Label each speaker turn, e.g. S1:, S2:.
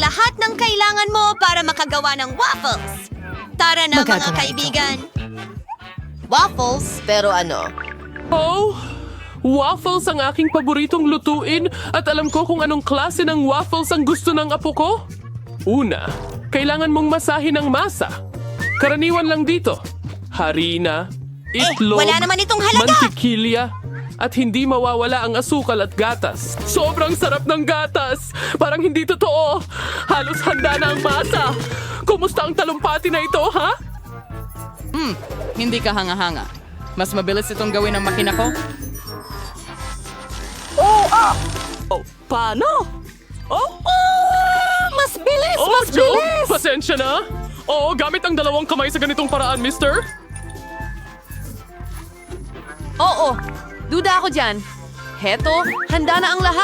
S1: lahat ng kailangan mo para makagawa ng waffles. Tara na mga
S2: Magagawa
S1: kaibigan.
S2: Waffles? Pero ano?
S3: Oh, waffles ang aking paboritong lutuin at alam ko kung anong klase ng waffles ang gusto ng apo ko. Una, kailangan mong masahin ang masa. Karaniwan lang dito. Harina, itlog,
S1: wala naman itong halaga!
S3: mantikilya, at hindi mawawala ang asukal at gatas. Sobrang sarap ng gatas! Parang hindi totoo! Halos handa na ang masa! Kumusta ang talumpati na ito, ha?
S4: Hindi ka hanga-hanga. Mas mabilis itong gawin ng makina ko.
S3: Oh, paano? Oh,
S1: Mas bilis!
S3: oh, Joe! Pasensya na! Oo, gamit ang dalawang kamay sa ganitong paraan, mister.
S2: Oo, duda ako dyan. Heto, handa na ang lahat.